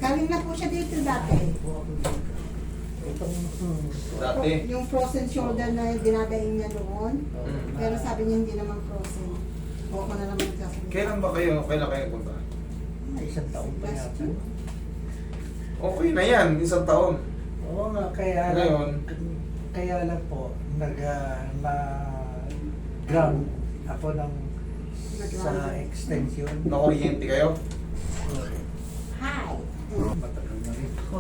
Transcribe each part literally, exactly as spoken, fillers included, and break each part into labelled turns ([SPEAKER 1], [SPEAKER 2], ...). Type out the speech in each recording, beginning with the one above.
[SPEAKER 1] Galing na po siya dito dati.
[SPEAKER 2] Itong, hmm,
[SPEAKER 3] Dati.
[SPEAKER 1] Yung frozen shoulder na dinadaing niya doon.
[SPEAKER 3] Mm.
[SPEAKER 1] Pero sabi niya hindi naman frozen. O ako na naman sasabihin.
[SPEAKER 3] Kailan ba kayo, kailan kayo punta?
[SPEAKER 2] may isang taon pa
[SPEAKER 1] Last
[SPEAKER 2] yata.
[SPEAKER 1] year.
[SPEAKER 3] Okay na yan, isang taon.
[SPEAKER 2] Oo nga, kaya
[SPEAKER 3] Ngayon?
[SPEAKER 2] lang, kaya lang po, nag, ah, na ground ako ng sa extension.
[SPEAKER 3] Nakuryente kayo?
[SPEAKER 1] Hi!
[SPEAKER 2] Matagal na rin po.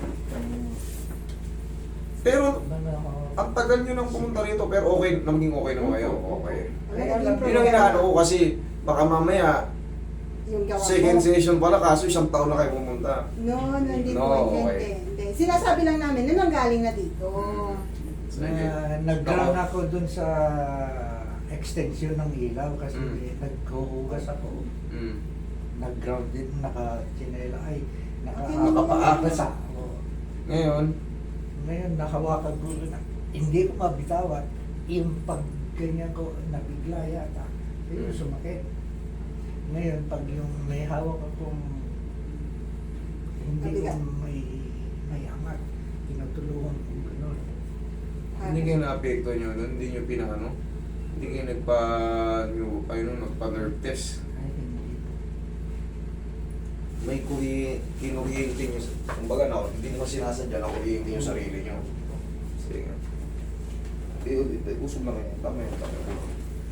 [SPEAKER 3] Pero,
[SPEAKER 2] Mga,
[SPEAKER 3] ang tagal nyo nang pumunta rito, pero okay, naging okay naman kayo. Okay.
[SPEAKER 1] Wala naging
[SPEAKER 3] Yun ang inaano ko kasi, baka mamaya,
[SPEAKER 1] Yung gawa
[SPEAKER 3] second
[SPEAKER 1] ko.
[SPEAKER 3] session pala, kaso isang taon na kayo pumunta.
[SPEAKER 1] No, no, hindi
[SPEAKER 3] No,
[SPEAKER 1] po. Hindi,
[SPEAKER 3] okay.
[SPEAKER 1] hindi. Sinasabi lang namin na nanggaling na dito.
[SPEAKER 3] Sige.
[SPEAKER 2] na, nag-ground ako dun sa extension ng ilaw kasi
[SPEAKER 3] Mm.
[SPEAKER 2] naghuhugas ako.
[SPEAKER 3] Mm.
[SPEAKER 2] Nag-ground din, naka-chinela, ay,
[SPEAKER 1] Okay,
[SPEAKER 2] nakakapaagas ako.
[SPEAKER 3] Ngayon,
[SPEAKER 2] Ngayon, nakawakan ko na, hindi ko mabitawan. Yung pag ganyan ko, nabigla yata. Yung
[SPEAKER 3] Mm.
[SPEAKER 2] sumakit. Ngayon, pag yung may hawak akong hindi ko
[SPEAKER 1] Mabigat.
[SPEAKER 2] may may angat, tinutulungan ko gano'n.
[SPEAKER 3] hindi kayo na-apekto nyo doon, hindi nyo pinano. Hindi kayo nagpa, nyo, ayun, nagpa-nerve test.
[SPEAKER 2] Ay, hindi po.
[SPEAKER 3] May kuri, kinuryente nyo. Kumbaga na, hindi naman sinasadya na kuryente nyo sarili nyo. Sige nga. Eh, eh, usog lang kayo. Tama yun, tama yun.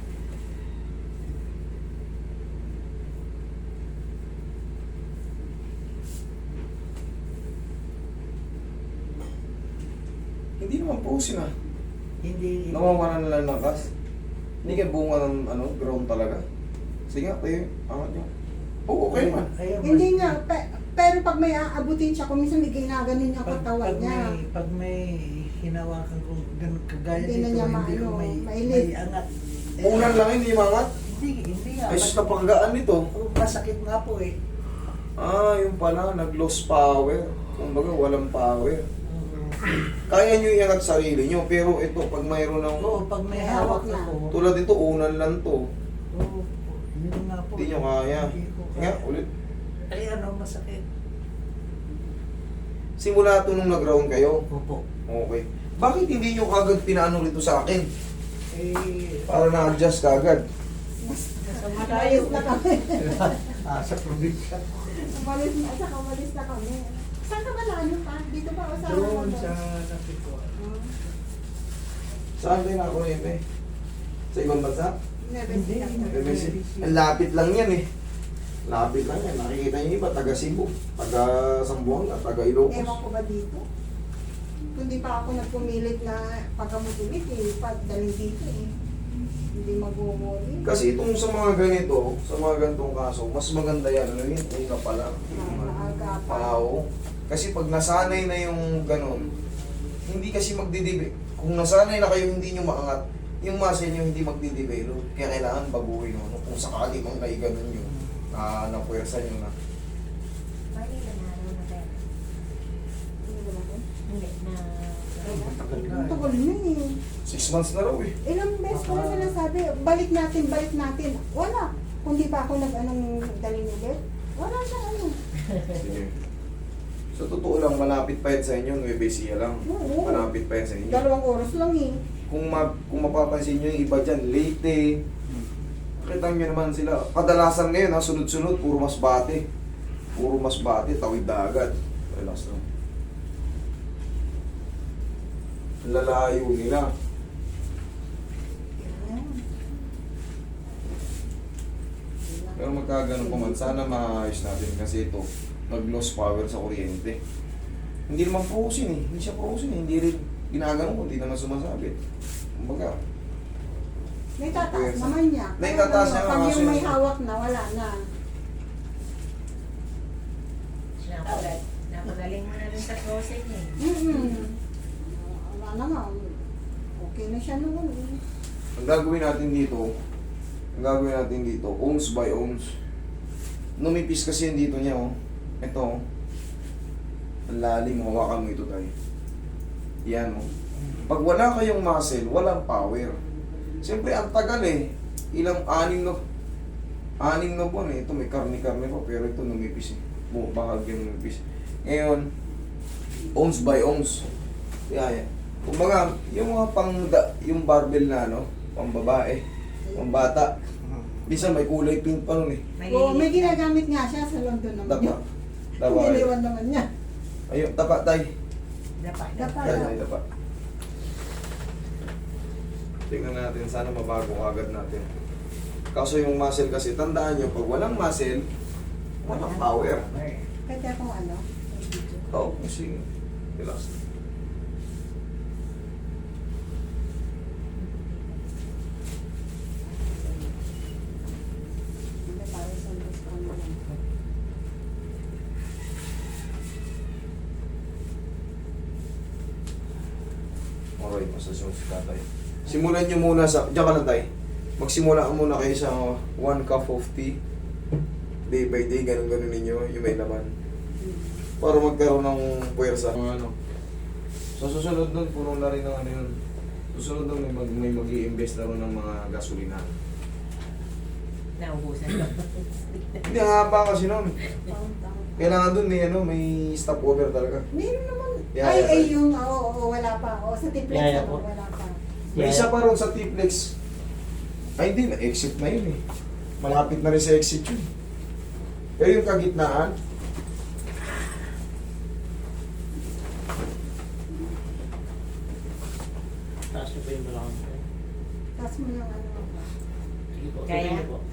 [SPEAKER 3] Hindi naman pusin ah.
[SPEAKER 2] Hindi,
[SPEAKER 3] Nawawalan na lang ng gas. Hindi kayo bunga ng ano, ground talaga. Sige nga, tayo, angat nyo. Oo, okay naman.
[SPEAKER 2] Ayaw,
[SPEAKER 1] Hindi
[SPEAKER 2] mas-
[SPEAKER 1] nga, pe- pero pag may aabutin siya, kung minsan may ginaganon niya
[SPEAKER 2] Pag,
[SPEAKER 1] katawan
[SPEAKER 2] pag,
[SPEAKER 1] niya.
[SPEAKER 2] may, pag may hinawakan ko ganun kagaya
[SPEAKER 1] Hindi na
[SPEAKER 2] dito,
[SPEAKER 1] niya
[SPEAKER 2] hindi ko
[SPEAKER 1] maano,
[SPEAKER 2] may,
[SPEAKER 1] mailit.
[SPEAKER 2] may angat. Eh,
[SPEAKER 3] Unan lang hindi mangat.
[SPEAKER 2] Hindi, hindi nga.
[SPEAKER 3] Ay, sus, napakagaan nito.
[SPEAKER 2] Oh, masakit nga po eh.
[SPEAKER 3] Ah, yung pala, nag-lost power. Kumbaga, walang power.
[SPEAKER 2] Oo.
[SPEAKER 3] Kaya nyo iangat sarili nyo, pero ito, pag mayroon ng...
[SPEAKER 2] Oo, pag may
[SPEAKER 1] May
[SPEAKER 2] hawak
[SPEAKER 1] hawak na.
[SPEAKER 2] ako.
[SPEAKER 3] Tulad ito, unan lang to.
[SPEAKER 2] Oo, yun nga po.
[SPEAKER 3] Hindi nyo kaya.
[SPEAKER 2] Hindi ko
[SPEAKER 3] Nga,
[SPEAKER 2] kaya.
[SPEAKER 3] ulit.
[SPEAKER 2] Ay, ano, masakit.
[SPEAKER 3] Simula to nung nag-round kayo.
[SPEAKER 2] Opo.
[SPEAKER 3] Okay. Bakit hindi nyo kagad pinaano rito sa akin?
[SPEAKER 2] Eh,
[SPEAKER 3] Para na-adjust kagad.
[SPEAKER 1] Umalis na kami.
[SPEAKER 2] ah, sa probinsya.
[SPEAKER 1] Umalis na, saka umalis na kami. Saan ka ba lalo pa? Dito ba o sa...
[SPEAKER 2] Doon sa Napiko.
[SPEAKER 1] Hmm.
[SPEAKER 3] Saan kayo nakakuryente? Sa ibang bansa?
[SPEAKER 1] Never
[SPEAKER 2] Hindi.
[SPEAKER 1] seen that.
[SPEAKER 3] M S C. Ang lapit lang yan eh. Lapit lang yan. Nakikita nyo iba, taga Cebu, taga Zamboanga, taga Ilocos.
[SPEAKER 1] Ewan ko ba dito? Kundi pa ako nagpumilit na pagkamutulit eh, pagdaling dito eh. Hindi magmumuli.
[SPEAKER 3] Kasi itong sa mga ganito, sa mga ganitong kaso, mas maganda yan. Ano yun? Una pa lang.
[SPEAKER 1] Maaga pa.
[SPEAKER 3] Pao. Kasi pag nasanay na yung ganon, hindi kasi magdidibe. Kung nasanay na kayo hindi nyo maangat, yung muscle nyo hindi magdidevelop. Kaya kailangan baguhin nyo. Kung sakali mang naiganon nyo, na napuwersa nyo na.
[SPEAKER 4] Bali na naroon na tayo.
[SPEAKER 1] Hindi ba natin?
[SPEAKER 4] Hindi na.
[SPEAKER 2] Matagal na
[SPEAKER 1] Ang
[SPEAKER 2] eh.
[SPEAKER 1] tagal na eh.
[SPEAKER 3] Six months na raw eh.
[SPEAKER 1] Ilang beses ko na sinasabi, balik natin, balik natin. Wala. Kung di pa ako nag-anong daling ulit, wala siya ano.
[SPEAKER 3] Sige. Sa totoo lang, malapit pa yan sa inyo. Nueva Ecija lang.
[SPEAKER 1] Oo.
[SPEAKER 3] Malapit pa yan sa inyo.
[SPEAKER 1] Dalawang oras lang eh.
[SPEAKER 3] Kung, ma kung mapapansin nyo yung iba dyan, Leyte, nakita nyo naman sila. Kadalasan ngayon, ha, sunod-sunod, puro Masbate. Puro Masbate, tawid dagat. Relax lang. Lalayo nila.
[SPEAKER 1] Yan.
[SPEAKER 3] Pero magkaganon pa man, sana maayos natin kasi ito, nag-loss power sa kuryente. Hindi naman frozen eh. Hindi siya frozen eh. Hindi rin ginaganon ko, hindi naman sumasabit. Kumbaga,
[SPEAKER 1] Naitataas
[SPEAKER 3] Yes.
[SPEAKER 1] naman niya.
[SPEAKER 3] Naitataas
[SPEAKER 1] Kaya
[SPEAKER 3] niya,
[SPEAKER 1] Pag
[SPEAKER 3] kaso
[SPEAKER 1] yung may
[SPEAKER 3] yun-
[SPEAKER 1] hawak na, wala na.
[SPEAKER 4] Napagal, napagaling mo na rin sa closing eh.
[SPEAKER 1] Mm-hmm. Wala naman. Okay na siya noon. eh.
[SPEAKER 3] ang gagawin natin dito, ang gagawin natin dito, ohms by ohms. Numipis kasi yung dito niya, oh. Ito, oh. Ang lalim, hawakan mo ito tayo. Yan, oh. Pag wala kayong muscle, walang power. Siyempre, ang tagal eh. Ilang anim na, anim na buwan eh. Ito may karni-karni pa, pero ito numipis eh. Bu- Bahag yung numipis. Ngayon, ounce by ounce. Kaya, kumbaga, yung mga pang, yung barbell na ano, pang babae, pang bata, bisa may kulay pink pa nun eh.
[SPEAKER 1] Oo, may ginagamit nga siya sa London naman
[SPEAKER 3] Tapa.
[SPEAKER 1] yun.
[SPEAKER 3] Tapa.
[SPEAKER 1] Iniwan naman niya.
[SPEAKER 3] Ayun, tapa tay.
[SPEAKER 4] Dapa.
[SPEAKER 1] Dapa.
[SPEAKER 3] Tay, tay, tapa. Tingnan natin, sana mabago agad natin. Kaso yung muscle kasi, tandaan nyo, pag walang muscle, walang power.
[SPEAKER 1] Kaya kung ano,
[SPEAKER 3] Oo, oh, kasi, relax.
[SPEAKER 1] hindi parang sa Diyos ko ano lang.
[SPEAKER 3] Alright, masasyon si tatay. Simulan nyo muna sa, diyan ka lang tay. Magsimula ka muna kayo sa one cup of tea. Day by day, ganun-ganun ninyo, yung may laman. Para magkaroon ng puwersa. Mga ano. Sa susunod nun, puno na rin ng ano yun. Susunod nun, may, mag, may mag-i-invest na rin ng mga gasolina.
[SPEAKER 4] Naubusan ko.
[SPEAKER 3] Hindi, ang haba kasi nun.
[SPEAKER 1] Taon-taon.
[SPEAKER 3] Kailangan dun may, ano, may stopover talaga.
[SPEAKER 1] Meron naman.
[SPEAKER 3] Yeah,
[SPEAKER 1] ay,
[SPEAKER 3] yeah.
[SPEAKER 1] ay, yung, oo, oo, wala pa. O, sa Tiplex
[SPEAKER 2] Yeah, yeah
[SPEAKER 1] naman,
[SPEAKER 2] po.
[SPEAKER 1] wala pa.
[SPEAKER 3] May isa pa ron sa T-Flex. Ay, hindi na. Exit na yun eh. Malapit na rin sa exit yun. Pero yung kagitnaan,
[SPEAKER 2] Taas niyo pa yung balakang ko.
[SPEAKER 1] Tapos mo yung ano.
[SPEAKER 2] Sige po,
[SPEAKER 4] Kaya?
[SPEAKER 2] tuloy niyo po.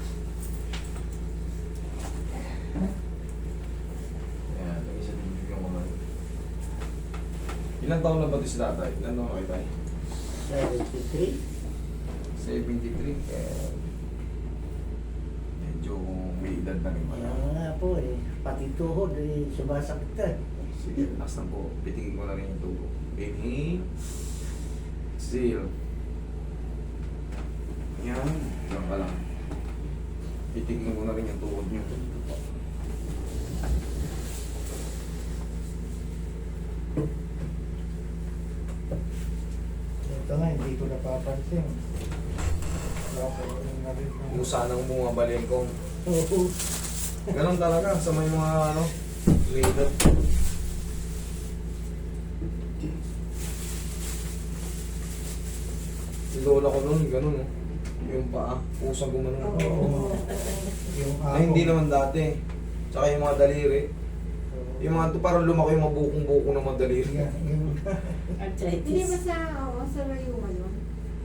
[SPEAKER 3] ayan, nag-isa din yung mga. Ilang taon na ba ito si tatay? Ilang taon na kayo tayo?
[SPEAKER 2] seventy-three.
[SPEAKER 3] seventy-three. Kaya medyo may edad na rin pala.
[SPEAKER 2] Kaya nga po eh. Pati tuhod eh. Sumasakit ka.
[SPEAKER 3] Sige, relax lang po. Pitigin ko na rin yung tubo. Inhale. Exhale. Yan. Lang ka lang. Pitigin ko na rin yung tuhod nyo.
[SPEAKER 2] Ito nga, hindi ko napapansin. Wala ko rin na rin.
[SPEAKER 3] Kung saan ang bunga balengkong.
[SPEAKER 2] Oo.
[SPEAKER 3] Ganon talaga sa may mga ano, may edad. Yung lola ko noon, ganun oh. Yung paa, pusang gumanon.
[SPEAKER 2] Oo. Yung
[SPEAKER 3] Ay, hindi naman dati. Tsaka yung mga daliri. Yung mga to parang lumaki yung mga bukong-buko ng mga daliri.
[SPEAKER 2] Yung- yung-
[SPEAKER 1] Hindi ba
[SPEAKER 4] Arthritis.
[SPEAKER 1] sa, oo, sa rayuma yun?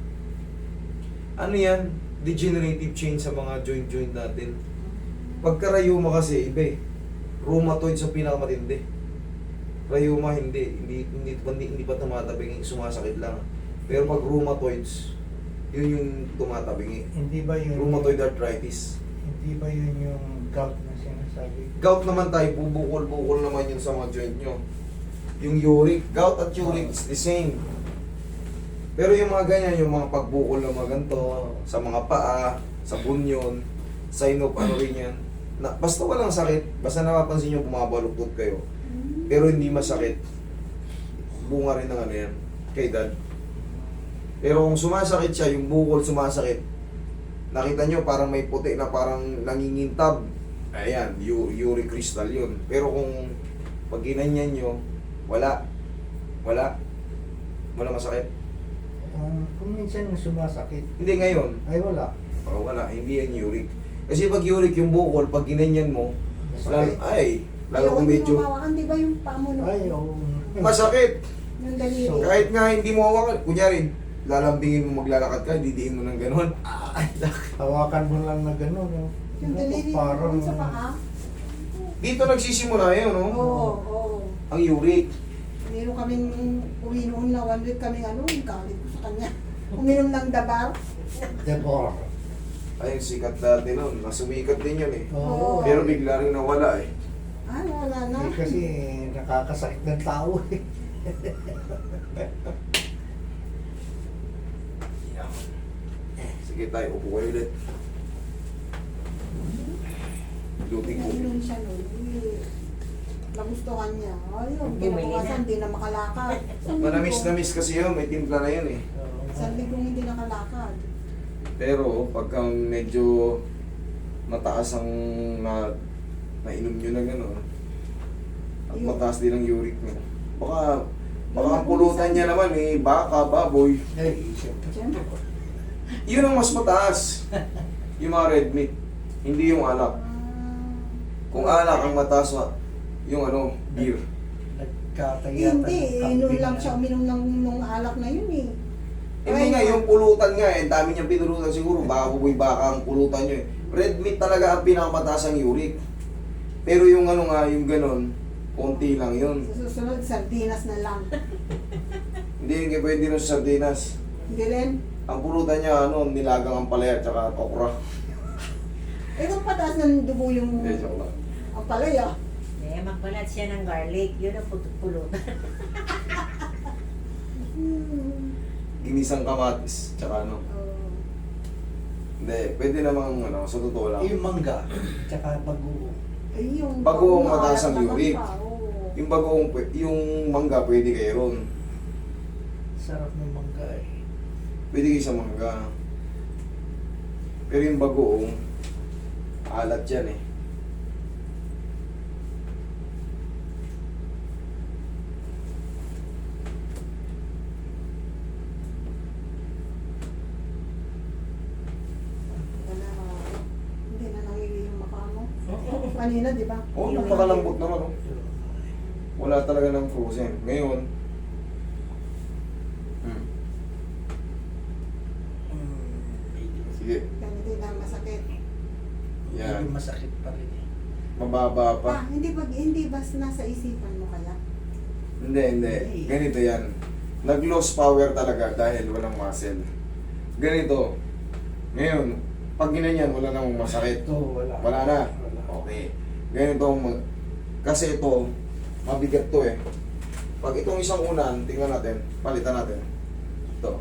[SPEAKER 3] Ano yan? Degenerative change sa mga joint-joint natin. Pagka rayuma kasi, iba eh. Rheumatoid sa pinakamatindi. Rayuma hindi. Hindi, hindi, hindi, hindi pa tumatabing, sumasakit lang. Pero pag rheumatoids, yun yung tumatabingi.
[SPEAKER 2] Hindi ba yun?
[SPEAKER 3] Rheumatoid arthritis.
[SPEAKER 2] Hindi ba yun yung gout na sinasabi?
[SPEAKER 3] Gout naman tayo, bubukol-bukol naman yun sa mga joint nyo. Yung uric, gout at uric is the same. Pero yung mga ganyan, yung mga pagbukol na mga ganito, sa mga paa, sa bunyon, sign of ano rin yan. Na, basta walang sakit, basta napapansin nyo bumabaluktot kayo, pero hindi masakit, bunga rin ng ano yan, kay dad. Pero kung sumasakit siya, yung bukol sumasakit, nakita nyo parang may puti na parang nangingintab, ayan, u- uric crystal yun. Pero kung pag ginanyan nyo, wala, wala, wala masakit.
[SPEAKER 2] Um, kung minsan sumasakit,
[SPEAKER 3] Hindi ngayon,
[SPEAKER 2] ay wala.
[SPEAKER 3] oh, wala, hindi yan uric. Kasi pag uric yung bukol, pag ginanyan mo, lalo, ay, lalo kung medyo
[SPEAKER 1] Mawakan, di ba yung pamo nung
[SPEAKER 2] Ay, oo.
[SPEAKER 3] masakit.
[SPEAKER 1] yung daliri?
[SPEAKER 2] So,
[SPEAKER 3] Kahit nga hindi mo hawakan, kunyari, lalambingin mo maglalakad ka, didiin mo ng gano'n.
[SPEAKER 2] Hawakan mo lang na gano'n. No?
[SPEAKER 1] Yung daliri
[SPEAKER 2] Parang,
[SPEAKER 1] yung sa paa?
[SPEAKER 3] Dito nagsisimula yun, no?
[SPEAKER 1] Oo, oo.
[SPEAKER 3] Ang uric.
[SPEAKER 1] Meron kaming uwi noon na one week kaming ano, yung galit ko sa kanya. Uminom ng dabar.
[SPEAKER 2] Debor.
[SPEAKER 3] Ay, sikat dati nun. Nasumikat din yun eh.
[SPEAKER 2] Oo.
[SPEAKER 3] Pero bigla rin nawala eh.
[SPEAKER 1] Ah, wala na.
[SPEAKER 2] Eh, kasi nakakasakit ng tao eh.
[SPEAKER 3] Sige tayo, upo kayo ulit. Luting ko.
[SPEAKER 1] Uminom siya noon. Eh, nagustuhan niya. Ayun,
[SPEAKER 4] Bumili na.
[SPEAKER 1] kinabukasan, hindi na makalakad. Isang
[SPEAKER 3] Manamis
[SPEAKER 1] linggo.
[SPEAKER 3] na miss kasi yun, may timpla na yun eh.
[SPEAKER 1] Isang linggong hindi nakalakad.
[SPEAKER 3] Pero pagka medyo mataas ang na nainom nyo na gano'n, ang
[SPEAKER 1] Ayun.
[SPEAKER 3] mataas din ang uric mo. Baka, baka ang pulutan niya naman eh, baka, baboy.
[SPEAKER 2] Ay, siyempre.
[SPEAKER 1] Siyempre.
[SPEAKER 3] Yun ang mas mataas. Yung mga red meat, hindi yung alak. Kung alak ang mataas, yung ano, beer.
[SPEAKER 2] Nagkatagatan
[SPEAKER 1] Hindi, inom lang siya uminom ng nung alak na yun eh.
[SPEAKER 3] Hindi nga, yung pulutan nga eh, dami niyang pinulutan siguro, baka buboy baka ang pulutan niyo eh. Red meat talaga ang pinakamataas ang uric. Pero yung ano nga, yung ganun, konti lang yun.
[SPEAKER 1] Sa susunod, sardinas na lang.
[SPEAKER 3] Hindi hindi pwede rin sa sardinas.
[SPEAKER 1] Hindi rin.
[SPEAKER 3] Ang pulutan niya, ano, nilagang ang palaya at saka okra.
[SPEAKER 1] Eh kung pataas ng dugo yung
[SPEAKER 3] Hindi, joke lang.
[SPEAKER 1] ang palaya.
[SPEAKER 4] Eh, magbalat siya ng garlic. Yun ang put- pulutan.
[SPEAKER 1] Hmm.
[SPEAKER 3] Ginisang kamatis, tsaka ano.
[SPEAKER 1] Oh.
[SPEAKER 3] Hindi, pwede namang, ano, sa totoo lang.
[SPEAKER 2] Yung mangga, tsaka bagoong.
[SPEAKER 1] Eh, yung
[SPEAKER 3] Bagoong
[SPEAKER 1] bagoong
[SPEAKER 3] mataas ang
[SPEAKER 1] naman
[SPEAKER 3] uric.
[SPEAKER 1] pa, oo.
[SPEAKER 3] Yung bagoong, pwe- yung mangga, pwede kayo ron.
[SPEAKER 2] Sarap ng mangga eh.
[SPEAKER 3] Pwede kayo sa mangga. Pero yung bagoong, alat yan eh.
[SPEAKER 1] Wala, hindi na nangiwi yung maka mo. Kanina, di ba?
[SPEAKER 3] Oo, oh,
[SPEAKER 1] Yung-
[SPEAKER 3] napakalambot naman oh. Wala talaga ng frozen. Ngayon, hmm. Sige,
[SPEAKER 1] Ganito na masakit.
[SPEAKER 3] yan.
[SPEAKER 2] Medyo masakit pa rin eh.
[SPEAKER 3] Mababa pa.
[SPEAKER 1] Ah, hindi ba, hindi ba nasa isipan mo kaya?
[SPEAKER 3] Hindi, hindi. Ganito yan. Nag-lose power talaga dahil walang muscle. Ganito. Ngayon, pag ginanyan, wala namang masakit.
[SPEAKER 2] Ito, wala.
[SPEAKER 3] Wala na.
[SPEAKER 2] Wala.
[SPEAKER 3] Okay. Ganito, mag- kasi ito, mabigat to eh. Pag itong isang unan, tingnan natin, palitan natin. Ito.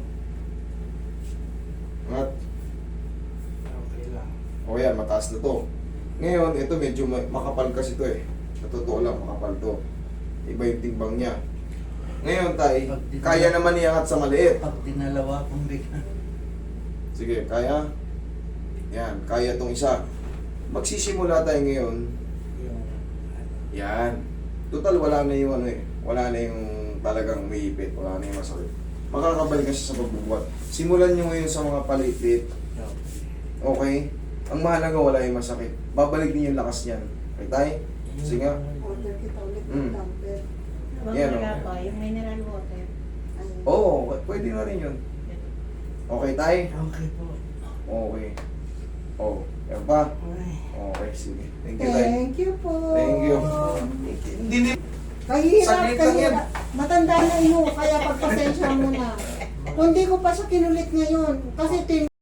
[SPEAKER 3] At,
[SPEAKER 2] Okay lang.
[SPEAKER 3] o yan, mataas na to. Ngayon, ito medyo ma- makapal kasi to eh. Sa totoo lang, makapal to. Iba yung timbang niya. Ngayon, tay,
[SPEAKER 2] Pag dinala-
[SPEAKER 3] kaya naman iangat sa maliit.
[SPEAKER 2] Pag dinalawa kong bigla.
[SPEAKER 3] Sige, kaya? Yan, kaya tong isa. Magsisimula tayo ngayon.
[SPEAKER 2] Yung ano.
[SPEAKER 3] Yan. Total, wala na yung ano eh. Wala na yung talagang umiipit. Wala na yung masakit. Makakabalik ka siya sa pagbubuhat. Simulan nyo ngayon sa mga palitit. Okay? Ang mahalaga, wala yung masakit. Babalik din yung lakas niyan. Okay, tay? Sige nga.
[SPEAKER 1] Order kita ulit ng
[SPEAKER 3] Mm.
[SPEAKER 1] dumper.
[SPEAKER 3] Yan,
[SPEAKER 4] Wala
[SPEAKER 3] oh.
[SPEAKER 4] pa. Yung mineral water.
[SPEAKER 1] Ayun.
[SPEAKER 3] Oo, pwede na rin yun. Okay, tay?
[SPEAKER 2] Okay po.
[SPEAKER 3] Okay. Oh, yan pa?
[SPEAKER 2] Ay.
[SPEAKER 3] Okay, sige. Thank you, tay.
[SPEAKER 1] Thank you po.
[SPEAKER 3] Thank you. Hindi, hindi.
[SPEAKER 1] Kahirap,
[SPEAKER 3] Saglit lang yan.
[SPEAKER 1] kahirap. Matanda na yun, kaya pagpasensya mo na. Kung di ko pa siya kinulit ngayon, kasi tin